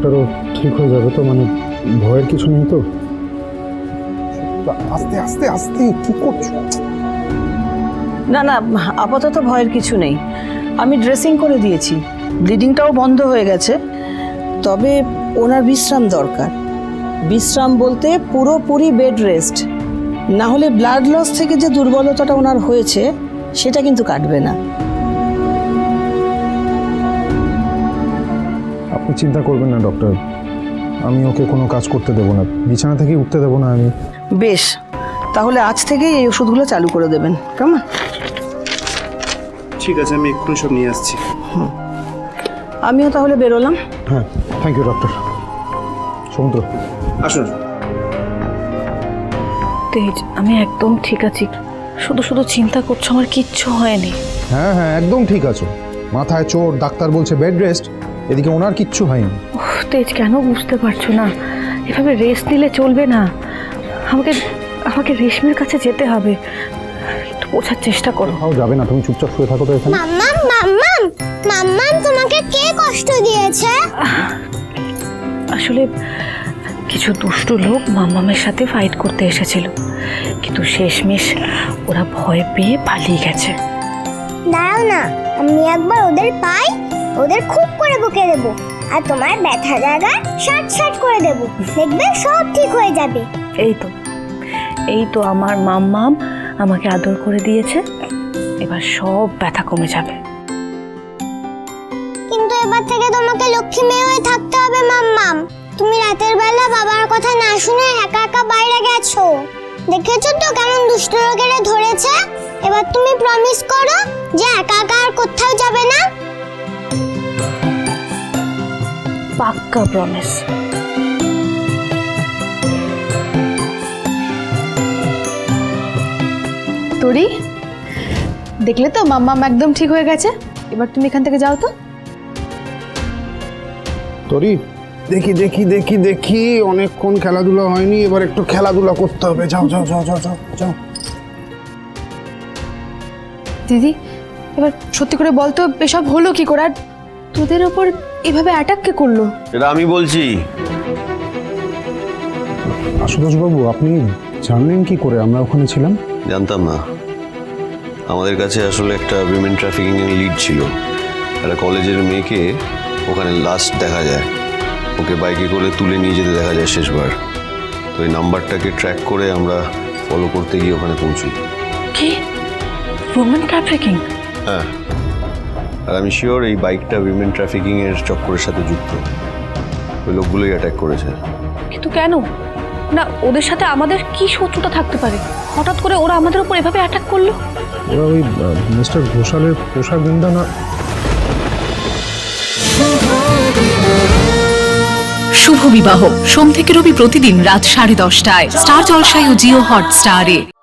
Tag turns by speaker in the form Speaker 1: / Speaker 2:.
Speaker 1: ডাক্তারও ঠিক হয়ে যাবে তো, মানে ভয়ের কিছু নেই তো? আস্তে আস্তে আস্তে কি করছো?
Speaker 2: না না, আপাতত ভয়ের কিছু নেই। আমি ড্রেসিং করে দিয়েছি, ব্লিডিংটাও বন্ধ হয়ে গেছে। তবে ওনার বিশ্রাম দরকার। বিশ্রাম বলতে পুরোপুরি বেড রেস্ট, না হলে ব্লাড লস থেকে যে দুর্বলতাটা ওনার হয়েছে সেটা কিন্তু কাটবে না।
Speaker 1: আপনি চিন্তা করবেন না ডক্টর, আমি ওকে কোনো কাজ করতে দেবো না, বিছানা থেকে উঠতে দেবো না আমি।
Speaker 2: বেশ, তাহলে আজ থেকেই এই ওষুধগুলো চালু করে দেবেন, কেমন?
Speaker 3: ঠিক আছে, আমি এক্ষুনি সব নিয়ে আসছি।
Speaker 2: আমিও তাহলে বেরোলাম।
Speaker 1: হ্যাঁ, থ্যাংক ইউ ডক্টর। সমুদ্র
Speaker 3: আসুন।
Speaker 4: তেজ, আমি একদম ঠিক আছি। শুধু শুধু চিন্তা করছো, আমার কিচ্ছু হয়নি।
Speaker 1: হ্যাঁ হ্যাঁ, একদম ঠিক আছো। মাথায় চোট, ডাক্তার বলছে বেড রেস্ট, এদিকে ওনার কিচ্ছু হয়নি।
Speaker 4: তেজ, কেন বুঝতে পারছো না? এভাবে রেস্ট নিলে চলবে না। আমাকে আমাকে রেশমির কাছে যেতে হবে। একটু বোঝার চেষ্টা করো।
Speaker 1: কোথাও যাবে না, তুমি চুপচাপ শুয়ে থাকো তো এখানে।
Speaker 5: মাম্মাম মাম্মাম মাম্মাম, তোমাকে কে কষ্ট দিয়েছে?
Speaker 4: আসলে কিছু দুষ্টু লোক মাম্মামের সাথে ফাইট করতে এসেছিল, কিন্তু শেষমেশ ওরা ভয় পেয়ে পালিয়ে গেছে।
Speaker 5: দাঁড়াও না, আমি একবার ওদের পাই, ওদের খুব করে বকে দেবো, আর তোমার ব্যথা জায়গা শার্ট শার্ট করে দেবো, দেখবে সব ঠিক হয়ে যাবে।
Speaker 4: এই তো আমার মাম্মাম আমাকে আদর করে দিয়েছে, এবার সব ব্যথা কমে যাবে।
Speaker 5: কিন্তু এবার থেকে তোমাকে লক্ষ্মী মেয়ে হয়ে থাকতে হবে মাম্মাম। তুমি রাতের বেলা বাবার কথা না শুনে একা একা বাইরে গেছো, দেখেছো তো কেমন দুষ্ট লোকেরা ধরেছে। এবার তুমি প্রমিস করো যে একা একা আর কোথাও যাবে না।
Speaker 4: পাক্কা প্রমিস।
Speaker 6: তোরি, দেখলে তো মাম্মাম একদম ঠিক হয়ে গেছে। এবার তুমি এখান থেকে যাও তো।
Speaker 1: তোরি, দেখি দেখি দেখি দেখি, অনেকক্ষণ খেলাধুলা হয়নি, এবার একটু খেলাধুলা করতে হবে। যাও যাও যাও যাও যাও যাও।
Speaker 6: দিদি, এবার সত্যি করে বল তো এসব হলো কি করে? আর তোদের ওপর এভাবে অ্যাটাক কে করলো?
Speaker 7: এটা আমি বলছি।
Speaker 1: আশুতোষ বাবু, আপনি জানলেন কি করে আমরা ওখানে ছিলাম?
Speaker 7: জানতাম না। আমাদের কাছে আসলে একটা উইমেন ট্রাফিকিং এর লিড ছিল। একটা কলেজের মেয়েকে ওখানে লাস্ট দেখা যায়, ওকে বাইকে করে তুলে নিয়ে যেতে দেখা যায় শেষবার। তো এই নাম্বারটাকে ট্র্যাক করে আমরা ফলো করতে গিয়ে ওখানে পৌঁছি।
Speaker 4: কি ওমেন ট্রাফিকিং?
Speaker 7: হ্যাঁ, আর আমি শিওর এই বাইকটা উইমেন ট্রাফিকিং এর চক্করের সাথে যুক্ত। ওই লোকগুলোই অ্যাটাক করেছে।
Speaker 4: কিন্তু কেন? না, ওদের সাথে আমাদের কি শত্রুতা থাকতে পারে? হঠাৎ করে ওরা আমাদের উপর এভাবে অ্যাটাক করলো?
Speaker 1: ওরা ওই মিস্টার ঘোষালের পোশাক গুন্ডা না?
Speaker 8: শুভ বিবাহ সোম থেকে রবি প্রতিদিন রাত 10:30টায় স্টার জলসায় ও জিও হটস্টারে।